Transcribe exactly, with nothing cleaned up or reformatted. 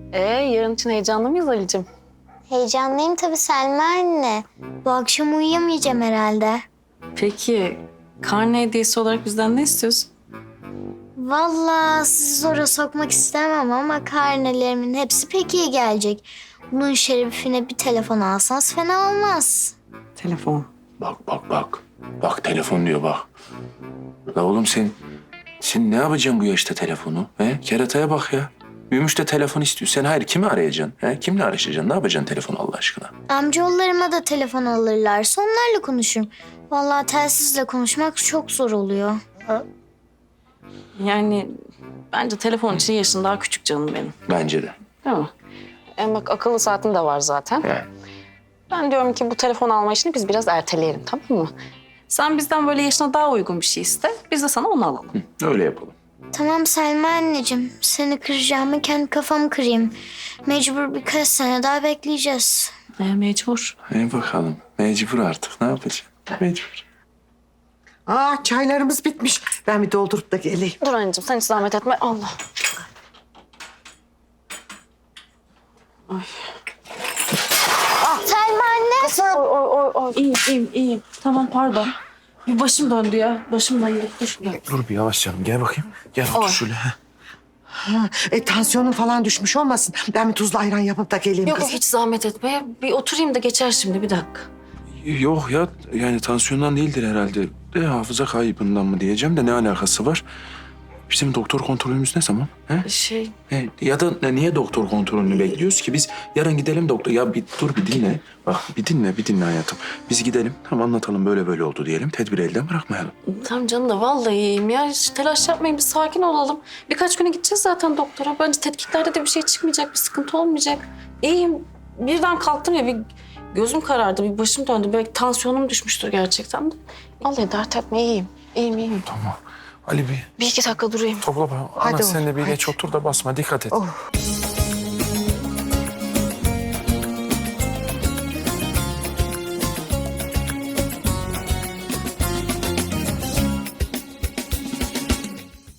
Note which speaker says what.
Speaker 1: Ee, yarın için heyecanlı mıyız Ali'cim?
Speaker 2: Heyecanlıyım tabii Selma anne. Bu akşam uyuyamayacağım herhalde.
Speaker 1: Peki, karne hediyesi olarak bizden ne istiyorsun?
Speaker 2: Vallahi sizi zora sokmak istemem ama karnelerimin hepsi pek iyi gelecek. Bunun şerefine bir telefon alsanız fena olmaz.
Speaker 1: Telefon.
Speaker 3: Bak bak bak. Bak telefon diyor bak. La oğlum sen, sen ne yapacaksın bu yaşta telefonu? He? Kerataya bak ya. Büyümüş de telefon istiyor. Sen hayır kimi arayacaksın? He? Kimle araşacaksın? Ne yapacaksın telefonu Allah aşkına?
Speaker 2: Amcaoğullarıma da telefon alırlarsa onlarla konuşurum. Vallahi telsizle konuşmak çok zor oluyor.
Speaker 1: Yani bence telefon için yaşın daha küçük canım benim.
Speaker 3: Bence de.
Speaker 1: Değil mi? Hem bak akıllı saatin de var zaten.
Speaker 3: He.
Speaker 1: Ben diyorum ki bu telefon alma işini biz biraz erteleyelim, tamam mı? Sen bizden böyle yaşına daha uygun bir şey iste. Biz de sana onu alalım.
Speaker 3: Hı, öyle yapalım.
Speaker 2: Tamam Selma anneciğim. Seni kıracağımı kendi kafamı kırayım. Mecbur birkaç sene daha bekleyeceğiz.
Speaker 1: E, mecbur.
Speaker 3: E bakalım. Mecbur artık. Ne yapacaksın? Mecbur.
Speaker 4: Aa çaylarımız bitmiş. Ben bir doldurup da geleyim.
Speaker 1: Dur anneciğim sen hiç zahmet etme. Allah.
Speaker 2: Selma anne.
Speaker 1: Oy oy oy oy. İyiyim iyiyim iyiyim. Tamam pardon. Bir başım döndü ya. Başım döndü. Dur.
Speaker 3: Dur bir yavaş canım. Gel bakayım. Gel otur
Speaker 1: Oy.
Speaker 3: şöyle. He.
Speaker 4: Ha, e, tansiyonun falan düşmüş olmasın. Ben bir tuzlu ayran yapıp da geleyim
Speaker 1: Yok yok
Speaker 4: kızım.
Speaker 1: hiç zahmet etme. Bir oturayım da geçer şimdi bir dakika.
Speaker 3: Yok ya yani tansiyondan değildir herhalde. De hafıza kaybından mı diyeceğim de ne alakası var? Bizim doktor kontrolümüz ne zaman? He?
Speaker 1: Şey
Speaker 3: He, ya da ne- niye doktor kontrolünü bekliyoruz ki? Biz yarın gidelim doktor. Ya bir dur bir dinle. Bak bir dinle bir dinle hayatım. Biz gidelim tam anlatalım böyle böyle oldu diyelim. Tedbiri elden bırakmayalım.
Speaker 1: tamam canım da vallahi iyiyim ya. Hiç telaş yapmayın bir sakin olalım. Birkaç güne gideceğiz zaten doktora. Bence tetkiklerde de bir şey çıkmayacak, bir sıkıntı olmayacak. İyiyim. Birden kalktım ya bir gözüm karardı, bir başım döndü. Belki tansiyonum düşmüştür gerçekten de. Vallahi dert etme iyiyim. İyiyim iyiyim.
Speaker 3: Tamam. Ali bir
Speaker 1: Bir iki dakika durayım.
Speaker 3: topla bana.
Speaker 4: Hadi
Speaker 3: Ana sen de bir
Speaker 4: oğlum,
Speaker 3: geç
Speaker 4: hadi.
Speaker 3: otur da basma dikkat et.
Speaker 4: Oh.